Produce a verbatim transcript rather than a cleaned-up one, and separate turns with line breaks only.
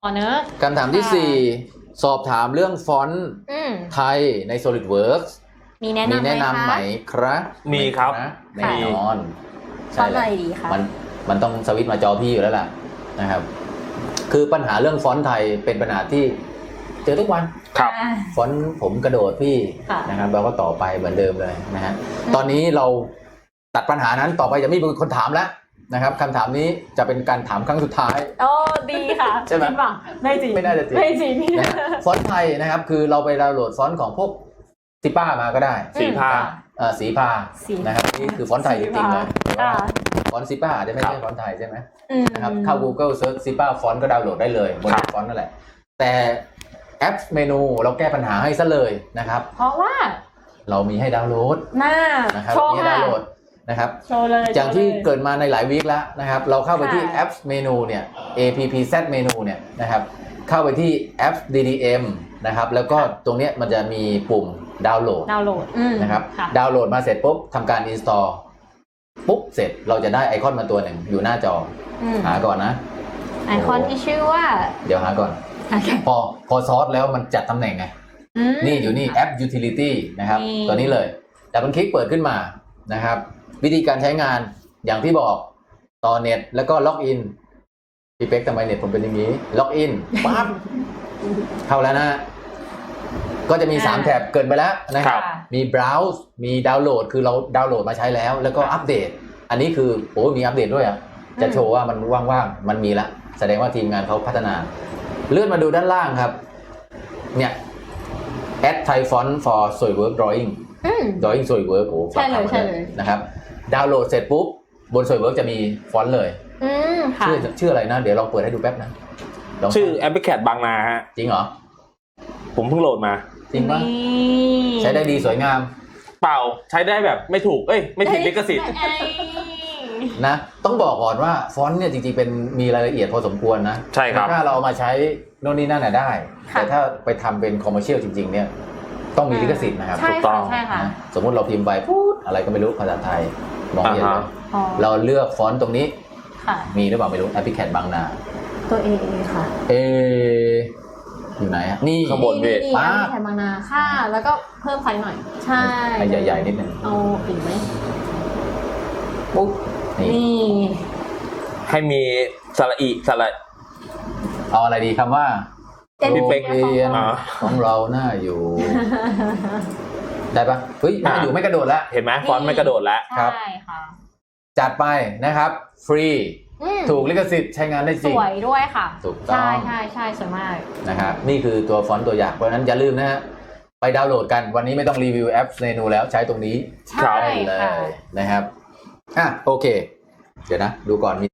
อ๋อเนอะ
คำถามที่สี่สอบถามเรื่องฟอนต์ไทยใน SolidWorks
มีแนะนำ
มีแนะนำไหมครับ
มีครับ
แน่นอน
ฟอนต์อะไรดีคะ
มันมันต้องสวิตช์มาจอพี่อยู่แล้วล่ะนะครับ คือปัญหาเรื่องฟอนต์ไทยเป็นปัญหาที่เจอทุกวัน
ครับ
ฟอนต์ผมกระโดดพี่นะครับเราก็ต่อไปเหมือนเดิมเลยนะฮะตอนนี้เราตัดปัญหานั้นต่อไปจะไม่มีคนถามแล้วนะครับคำถามนี้จะเป็นการถามครั้งสุดท้าย
โอ้ดีค่ะ
ใช่ไหม
ไม่จริง
ไม่น่าจะจริง
ไม่จริง
นะฟอนต์ไทยนะครับคือเราไปดาวน์โหลดฟอนต์ของพวกซิป้ามาก็ได้
สีผ้า
สีพานะครับนี่คือฟอนต์ไทยจริงๆเลยฟอนต์ซิป้าจะไม่ใช่ฟอนต์ไทยใช่ไหมนะครับเข้า Google Search ซิป้าฟอนต์ก็ดาวน์โหลดได้เลยบนฟอนต์นั่นแหละแต่แอปเมนูเราแก้ปัญหาให้ซะเลยนะครับ
เพราะว่า
เรามีให้ดาวน์โหลด
น่า
นะครับมีให้ดาวน์โหลดนะครับ
โชว์เลย
อย่างที่เกิดมาในหลายวีคแล้วนะครับเราเข้าไปที่แอปเมนูเนี่ย appz เมนูเนี่ยนะครับเข้าไปที่แอป ดี ดี เอ็ม นะครับแล้วก็ตรงนี้มันจะมีปุ่มดาวน์โหลด
ดาวน์โหลด
นะครับดาวน์โหลดมาเสร็จปุ๊บทำการ install ปุ๊บเสร็จเราจะได้ไอคอนมาตัวหนึ่งอยู่หน้าจอหาก่อนนะ
ไอคอนที่ชื่อว่า
เดี๋ยวหาก่อนพอพอซอสแล้วมันจัดตำแหน่งไงนี่อยู่นี่แอป utility นะครับตัวนี้เลยแต่มันคลิกเปิดขึ้นมานะครับวิธีการใช้งานอย่างที่บอกต่อเน็ตแล้วก็ล็อกอินพี่เป๊กทำไมเน็ตผมเป็นอย่างนี้ล็อกอินปั๊บเข้าแล้วนะก็จะมีสามแถบเกินไปแล้วนะครับมี browse มีดาวน์โหลดคือเราดาวน์โหลดมาใช้แล้วแล้วก็อัปเดตอันนี้คือโอ้มีอัปเดตด้วยอ่ะจะโชว์ว่ามันว่างๆมันมีละแสดงว่าทีมงานเขาพัฒนาเลื่อนมาดูด้านล่างครับเนี่ย add Thai font for SolidWorks drawing drawing SolidWorks โอ้
ใช่เลยใช่เลย
นะครับดาวน์โหลดเสร็จปุ๊บบน SolidWorks จะมีฟอนต์เลยชื่อชื่ออะไรนะเดี๋ยวลองเปิดให้ดูแป๊บนะ
ชื่อ Appicad บางนาฮะ
จริงเหรอ
ผมเพิ่งโหลดมา
จริงปะใช้ได้ดีสวยงาม
เปล่าใช้ได้แบบไม่ถูกเอ้ยไม่ผิดลิขสิทธิ์
นะต้องบอกก่อนว่าฟอนต์เนี่ยจริงๆเป็นมีรายละเอียดพอสมควรนะ
ใช่ครับ
ถ้าเราเอามาใช้โน่นนี่นั่นน่ะได้แต่ถ้าไปทำเป็นคอมเมอร์เชียลจริงๆเนี่ยต้องมีลิขสิทธิ์นะครับ
ถูกต้อง
สมมติเราพิมพ์ไปพูดอะไรก็ไม่รู้ภาษาไทยมองเห็นเลยเราเลือกฟอนต์ตรงนี้มีหรือเปล่าไม่รู้ Appicad บางนา
ตัว A ค่ะ
A อยู่ไหนอ่ะนี่
ข้างบนเวท
ป้าแถมบางนาค่ะแล้วก็เพิ่มไฟหน่อยใช่
ใหญ่ๆนิดนึง
เอาอีกไหมปุ๊บนี่
ให้มีสระอีสระ
เอาอะไรดีคำว่า
พี่เป๊ก
ของเราหน้าอยู่ได้ปะเฮ้ยไม่อยู่ไม่กระโดดแล้ว
เห็นไหมฟอนต์ไม่กระโดดแล้ว
ครับจัดไปนะครับฟรีถูกลิขสิทธิ์ใช้งานได้จริง
สวยด้วยค่ะ
ถูกต้อง
ใช่ใช่ใช่สวยมาก
นะครับนี่คือตัวฟอนต์ตัวอย่างเพราะฉะนั้นอย่าลืมนะฮะไปดาวน์โหลดกันวันนี้ไม่ต้องรีวิวแอปเมนูแล้วใช้ตรงนี้
ใช่
เลยนะครับอ่ะโอเคเดี๋ยวนะดูก่อนมี